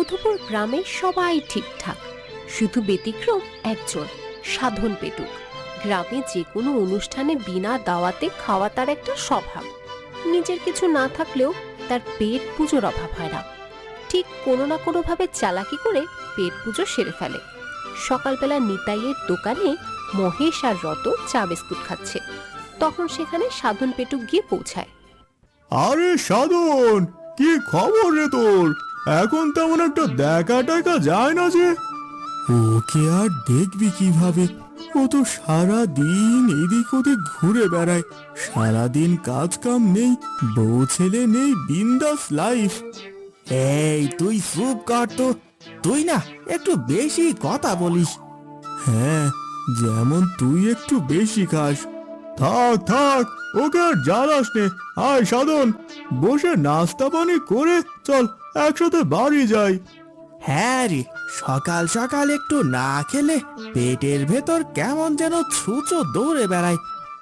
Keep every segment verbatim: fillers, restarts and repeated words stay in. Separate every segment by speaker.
Speaker 1: মধুপুর গ্রামে সবাই ঠিকঠাক, শুধু ব্যতিক্রম একজন, সাধন পেটুক। গ্রামে যে কোনো অনুষ্ঠানে বিনা দাওয়াতে খাওয়া তার একটা স্বভাব। নিজের কিছু না থাকলেও তার পেট পুজোর অভাব হয় না। ঠিক কোনো না কোনো ভাবে চালাকি করে পেট পুজো সেরে ফেলে। সকালবেলা নিতাইয়ের দোকানে মহেশ আর রত চা বিস্কুট খাচ্ছে, তখন সেখানে সাধন পেটুক গিয়ে পৌঁছায়।
Speaker 2: আরে সাধন, কি খবর রে তোর? এখন তেমন একটা দেখা টাকা যায় না যে। ওকে আর দেখবি কিভাবে? ও তো সারা দিন এদিক ওদিক ঘুরে বেড়ায়, সারাদিন কাজ কাম নেই, বউ ছেলে নেই, বিন্দাস লাইফ।
Speaker 3: এই তুই চুপ কর তো, তুই না একটু বেশি কথা বলিস।
Speaker 2: হ্যাঁ, যেমন তুই একটু বেশি খাস। থাক থাক, ওকে আর জ্বালাস নে। আয় সাধন, বসে নাস্তা পানি করে চল একসাথে বাড়ি যাই।
Speaker 3: হ্যাঁ রে, সকাল সকাল একটু না খেলে পেটের ভেতর কেমন যেন ছুঁচো দৌড়ে বেড়ায়।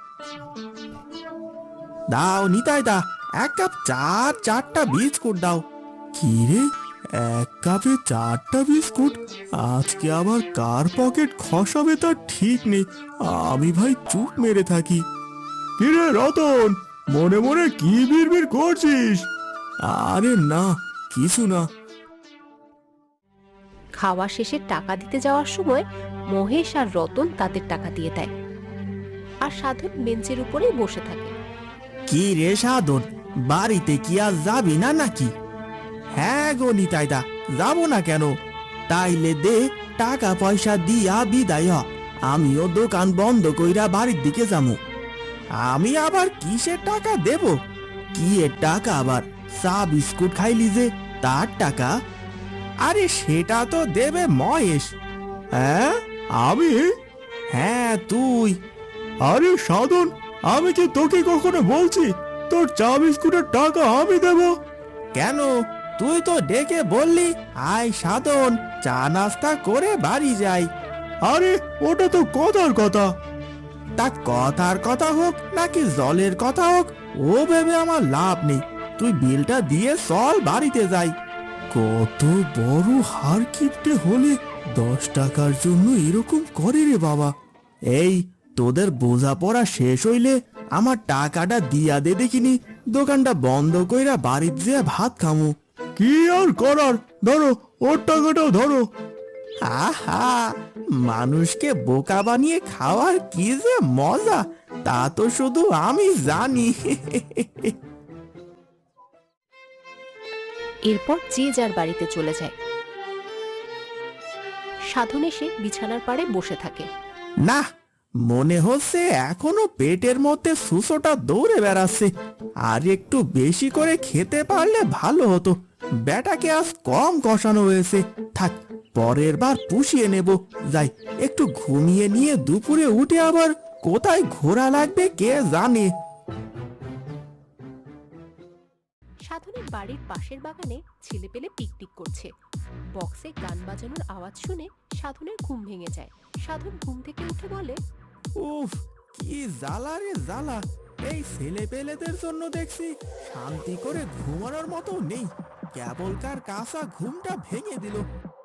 Speaker 3: দাও নিতাই দা, এক কাপ চা, চারটা বিস্কুট দাও।
Speaker 2: কি রে, এক কাপে চারটা বিস্কুট? আজকে আবার কার পকেট খসাবে তার ঠিক নেই। আমি ভাই চুপ মেরে থাকি। কি রে রতন, মনে মনে কি বিড়বিড় করছিস? আরে না, কিছু না।
Speaker 1: খাওয়া শেষে টাকা দিতে যাওয়ার সময় মহেশ আর রতন তাদের টাকা দিয়ে দেয়, আর সাধন বেঞ্চের উপরেই বসে থাকে।
Speaker 3: কি রে সাধন, বাড়িতে কি আর যাবি না নাকি? হ্যাঁ গো নিতাই দা, যাবো না কেন? তাইলে দে টাকা পয়সা দিয়া বিদায় হ, আমিও দোকান বন্ধ কইরা বাড়ির দিকে যাবো। আমি আবার কিসের টাকা দেব? কি এর টাকা আবার? চা বিস্কুট খাইলি যে তার টাকা? আরে সেটা তো দেবে মহেশ।
Speaker 2: হ্যাঁ আমি?
Speaker 3: হ্যাঁ তুই।
Speaker 2: আরে সাধন, আমি কি তোকে কখনো বলছি তোর চা বিস্কুটের টাকা আমি দেব?
Speaker 3: কেন, তুই তো ডেকে বললি আয় সাধন, চা নাস্তা করে বাড়ি যাই।
Speaker 2: আরে ওটা তো কথার কথা।
Speaker 3: তা কথার কথা হোক নাকি জলের কথা হোক, ও ভেবে আমার লাভ নেই। তুই বিলটা দিয়ে চল বাড়িতে যাই।
Speaker 2: কত বড় হার কিপটে হলে দশ টাকার জন্য এরকম করে রে বাবা।
Speaker 3: এই তোদের বোঝাপড়া শেষ হইলে আমার টাকাটা দিয়া দে দেখিনি, দোকানটা বন্ধ কইরা বাড়িতে যেয়ে ভাত খামু।
Speaker 2: কি আর করার, ধরো ওর টাকাটাও ধরো।
Speaker 3: আহা, মানুষকে বোকা বানিয়ে খাওয়ার কি যে মজা, তা তো শুধু আমি জানি।
Speaker 1: এরপর যে যার বাড়িতে চলে যায়। সাধন এসে বিছানার পাড়ে বসে থাকে।
Speaker 3: না, মনে হচ্ছে এখনো পেটের মধ্যে সুসোটা দৌড়ে বেড়াচ্ছে। আর একটু বেশি করে খেতে পারলে ভালো হতো। বেটাকে আজ কম কষানো হয়েছে, থাক পরের বার পুষিয়ে নেব। যাই একটু ঘুমিয়ে নিয়ে দুপুরে উঠে আবার কোথায় ঘোরা লাগবে কে জানে।
Speaker 1: সাধনের বাড়ির পাশের বাগানে ছেলেপেলে পিকনিক করছে। বক্সে গান বাজানোর আওয়াজ শুনে সাধনের ঘুম ভেঙে যায়। সাধন ঘুম থেকে উঠে বলে,
Speaker 3: উফ, কি জ্বালা রে জ্বালা! এই ছেলে পেলেদের জন্য দেখছি শান্তি করে ঘুমানোর মতো নেই। কেবলকার কাঁচা ঘুমটা ভেঙে দিল।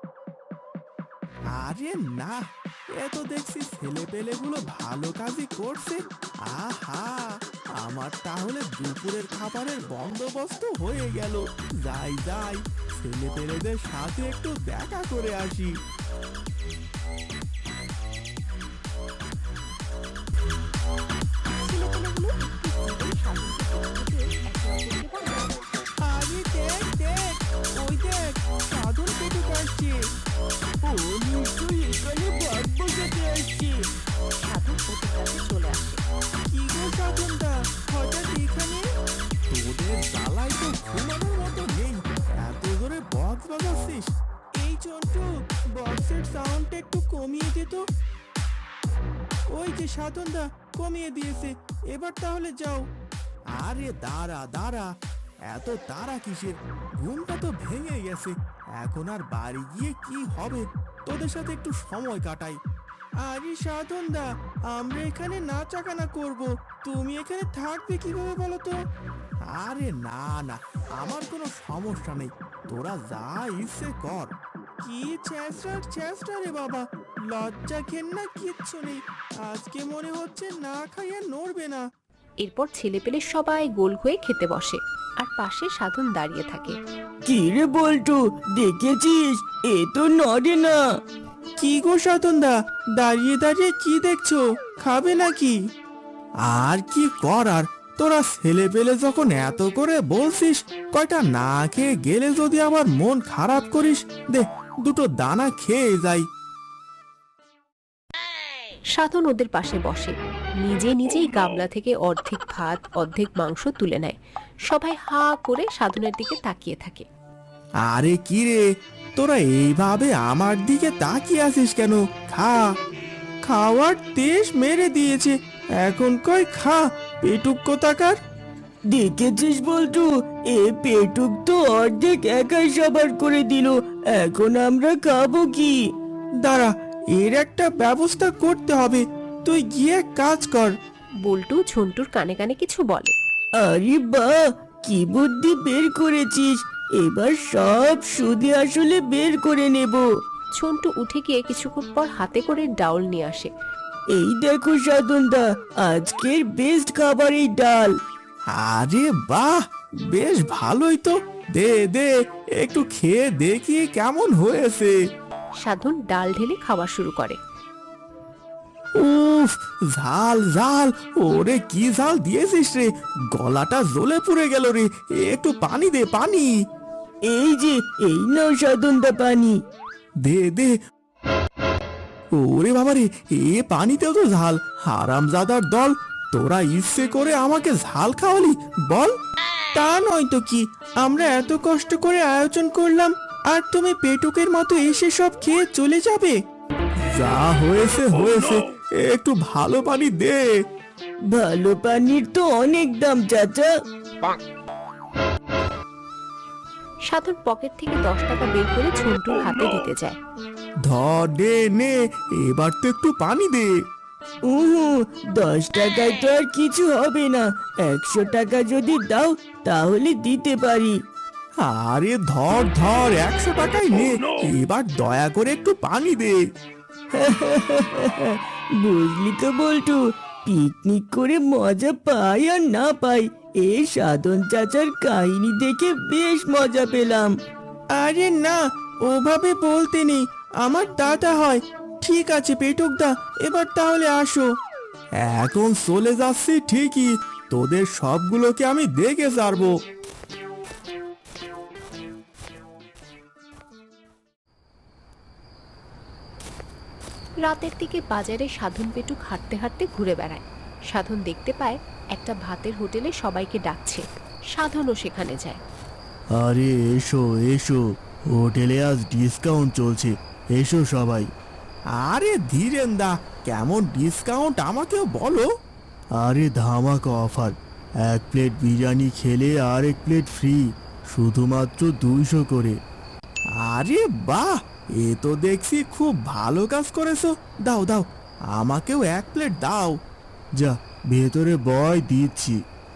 Speaker 3: আরে না, এ তো দেখছি ছেলে পেলেগুলো ভালো কাজই করছে। আহা, আমার তাহলে দুপুরের খাবারের বন্দোবস্ত হয়ে গেল। যাই যাই, ছেলে পেলেদের সাথে একটু দেখা করে আসি।
Speaker 1: ছেলেপেলেগুলো একটু সাধনকে
Speaker 3: আরে দেখ দেখ, ওই দেখ সাধন পেটুক আসছে। ও নিশ্চয়ই এখানে ভাত বসাতে আসছে।
Speaker 1: সাধন ওদের কাছে চলে আসে।
Speaker 3: কি গো সাধনদা, হঠাৎ এখানে? তোদের জ্বালায় তো ঘুমানোর মতো নেই, এত জোরে বক্স বাজাচ্ছিস। এই চন্টু, বক্সের সাউন্ডটা একটু কমিয়ে দে তো। ওই যে সাধনদা কমিয়ে দিয়েছে, এবার তাহলে যাও। আরে দাঁড়া দাঁড়া, এত তারা কিসের? ঘুমটা তো ভেঙে গেছে, এখন আর বাড়ি গিয়ে কি হবে? তোদের সাথে একটু সময় কাটাই। আরে সাধনদা, আমরা এখানে নাচাকানা করব, তুমি এখানে থাকবে কিভাবে বলো তো? আরে না না, আমার কোনো সমস্যা নেই, তোরা যা ইচ্ছে কর। কি চেষ্টা চেষ্টা রে বাবা, লজ্জা ঘেন্না কিচ্ছু নেই। আজকে মনে হচ্ছে না খাইয়ে নড়বে না।
Speaker 1: এরপর ছেলেপেলে সবাই গোল হয়ে খেতে বসে আর পাশে সাধন দাঁড়িয়ে থাকে।
Speaker 4: কি রে বল্টু, দেখেছিস এ তো নড়ে না।
Speaker 3: কি গো সাধনদা, দাঁড়িয়ে দাঁড়িয়ে কি দেখছো, খাবে নাকি? আর কি করার, তোরা ছেলে পেলে যখন এত করে বলছিস, কয়টা না খেয়ে গেলে যদি আবার মন খারাপ করিস, দে দুটো দানা খেয়ে যাই।
Speaker 1: সাধন ওদের পাশে বসে, নিজে নিজেই গামলা থেকে অর্ধেক ভাত অর্ধেক মাংস তুলে নেয়। সবাই হা করে সাধনের দিকে তাকিয়ে থাকে।
Speaker 3: আরে কি রে, তোরা এইভাবে আমার দিকে তাকিয়ে আছিস কেন? খা, খাওয়ার তেজ মেরে দিয়েছে, এখন কই খা, পেটুক কোথাকার।
Speaker 4: দেখেছিস বল্টু, এ পেটুক তো অর্ধেক একাই সবার করে দিল, এখন আমরা খাবো কি?
Speaker 3: দাঁড়া, এর একটা ব্যবস্থা করতে হবে, তুই গিয়ে কাজ কর।
Speaker 1: বল্টু ঝন্টুর কানে কানে কিছু বলে।
Speaker 4: আরে বাহ, কি বুদ্ধি বের করেছিস, এবার সব সুদে আসলে বের করে নেব।
Speaker 1: ঝন্টু উঠে গিয়ে কিছুক্ষণ পর হাতে করে ডাউল নিয়ে আসে।
Speaker 4: এই দেখো সাধনদা, আজকের বেস্ট খাবার এই ডাল।
Speaker 3: আরে বাহ, বেশ ভালোই তো, দে দে একটু খেয়ে দেখি কেমন হয়েছে।
Speaker 1: সাধন ডাল ঢেলে খাওয়া শুরু করে।
Speaker 3: উফ, ঝাল ঝাল, ওরে কি ঝাল দিয়েছিস রে, গলাটা জ্বলে পুড়ে গেল রে, একটু পানি দে, পানি
Speaker 4: এই যে, এই নাও সাধনদা পানি।
Speaker 3: দে দে। ওরে বাবা রে, এ পানিতেও তো ঝাল, হারামজাদার দল, তোরা ইচ্ছে করে আমাকে ঝাল খাওয়ালি বল? তা নয় তো কি, আমরা এত কষ্ট করে আয়োজন করলাম, আর তুমি পেটুকের মতো এসে সব খেয়ে চলে যাবে? যা হয়েছে হয়েছে, একটু ভালো পানি দে।
Speaker 4: ভালো পানির তো অনেক দাম চাচা।
Speaker 1: সাধন পকেট থেকে দশ টাকা বের করে ঝন্টুর হাতে দিতে যায়।
Speaker 3: ধর দে নে, এবার তো একটু পানি দে।
Speaker 4: উহু, দশ টাকায় তো আর কিছু হবে না, একশো টাকা যদি দাও তাহলে দিতে পারি।
Speaker 3: আরে ধর ধর, একশো টাকাই নে, এবার দয়া করে একটু পানি দে।
Speaker 4: বুঝলি তো বল্টু, পিকনিক করে মজা পাই আর না পাই, এই সাধন চাচার কাহিনী দেখে বেশ মজা পেলাম।
Speaker 3: আরে না, ওভাবে বলতে নেই, আমার দাদা হয়। ঠিক আছে পেটুক দা, এবার তাহলে আসো। এখন চলে যাচ্ছি ঠিকই, তোদের সবগুলোকে আমি দেখে ছাড়বো।
Speaker 1: রাতের দিকে বাজারে সাধন পেটুক হাঁটতে হাঁটতে ঘুরে বেড়ায়। সাধন দেখতে পায় একটা ভাতের হোটেলে সবাইকে ডাকছে। সাধনও সেখানে যায়।
Speaker 2: আরে এসো এসো, হোটেলে আজ ডিসকাউন্ট চলছে, এসো সবাই।
Speaker 3: আরে ধীরেন দা, কেমন ডিসকাউন্ট আমাকেও বলো।
Speaker 2: আরে ধামাকা অফার, এক প্লেট বিরিয়ানি খেলে আর এক প্লেট ফ্রি, শুধুমাত্র দুইশো করে।
Speaker 3: আরে বাহ, এ তো দেখছি খুব ভালো কাজ করেছো, দাও দাও, আমাকেও এক প্লেট দাও।
Speaker 2: যা ভেতরে বয়, দিচ্ছি।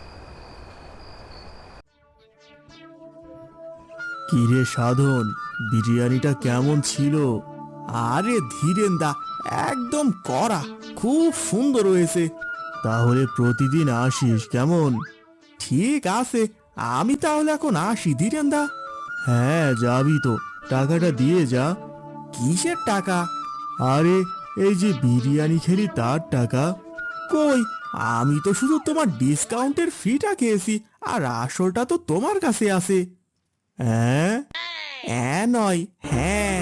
Speaker 2: কিরে সাধন, বিরিয়ানিটা কেমন ছিল?
Speaker 3: আরে ধীরেন দা, একদম কড়া, খুব সুন্দর হয়েছে।
Speaker 2: তাহলে প্রতিদিন আসিস কেমন?
Speaker 3: ঠিক আছে, আমি তাহলে এখন আসি ধীরেন দা।
Speaker 2: হ্যাঁ যাবি তো, টাকাটা দিয়ে যা।
Speaker 3: কিসের টাকা?
Speaker 2: আরে এই যে বিরিয়ানি খেলি তার টাকা।
Speaker 3: কই, আমি তো শুধু তোমার ডিসকাউন্টের ফিটা খেয়েছি, আর আসলটা তো তোমার কাছে আছে।
Speaker 2: হ্যাঁ
Speaker 3: হ্যাঁ নয়, হ্যাঁ।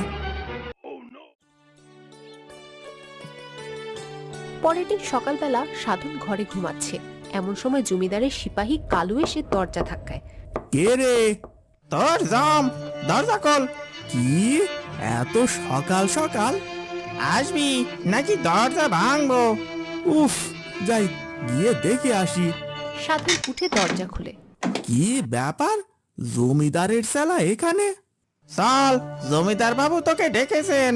Speaker 1: পরের দিন সকালবেলা সাধন ঘরে ঘুমাচ্ছে, এমন সময় জমিদারের সিপাহী কালু এসে দরজা ধাক্কায়।
Speaker 3: কে রে? তোর জাম, দরজা খোল। কি এত সকাল সকাল? আসবি নাকি দরজা ভাঙবো? উফ, যাই গিয়ে দেখে আসি।
Speaker 1: সাধন উঠে দরজা খুলে।
Speaker 3: কি ব্যাপার, জমিদারের শালা এখানে? চল, জমিদার বাবু তোকে ডেকেছেন।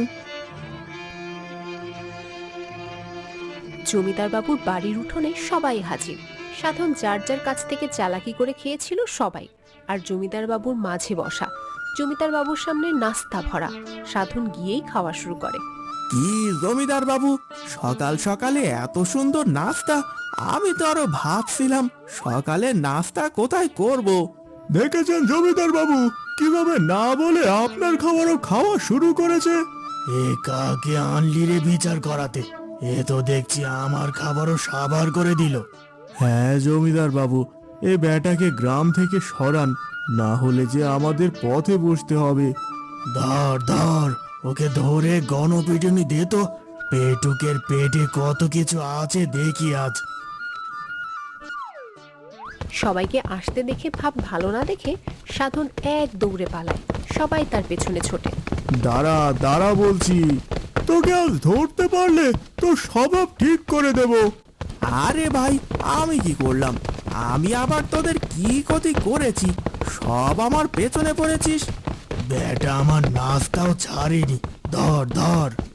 Speaker 1: জমিদার বাবুর বাড়ির উঠোনে সবাই হাজির। সাধন যার যার কাছ থেকে চালাকি করে খেয়েছিল সবাই, আর জমিদার বাবুর মাঝে বসা। জমিদার বাবুর সামনে নাস্তা ভরা। সাধন গিয়েই খাওয়া শুরু করে।
Speaker 3: কি জমিদার বাবু, সকাল সকালে এত সুন্দর নাস্তা! আমি তো আরো ভাবছিলাম সকালে নাস্তা কোথায় করব।
Speaker 2: দেখেছেন জমিদার বাবু কিভাবে না বলে আপনার খাবারও খাওয়া শুরু করেছে? এ কাকে আনলি রে বিচার করাতে? এ তো দেখছি আমার খাবারও সাবার করে দিল। হ্যাঁ জমিদার বাবু, এ বেটাকে গ্রাম থেকে সরান, না হলে যে আমাদের পথে বসতে হবে। ধর ধর, ওকে ধরে গণপিটুনি দে তো, পেটুকের পেটে কত কিছু আছে দেখি আজ।
Speaker 1: সবাইকে আসতে দেখে ভাব ভালো না দেখে সাধন এক দৌড়ে পালায়। সবাই তার পেছনে ছোটে।
Speaker 2: দাঁড়া দাঁড়া বলছি, তোকে আজ ধরতে পারলে তোর স্বভাব ঠিক করে দেব।
Speaker 3: আরে ভাই, আমি কি করলাম? আমি আবার তোদের কি ক্ষতি করেছি? সব আমার পেছনে পড়েছিস।
Speaker 2: বেটা আমার নাস্তাও ছাড়েনি, ধর ধর।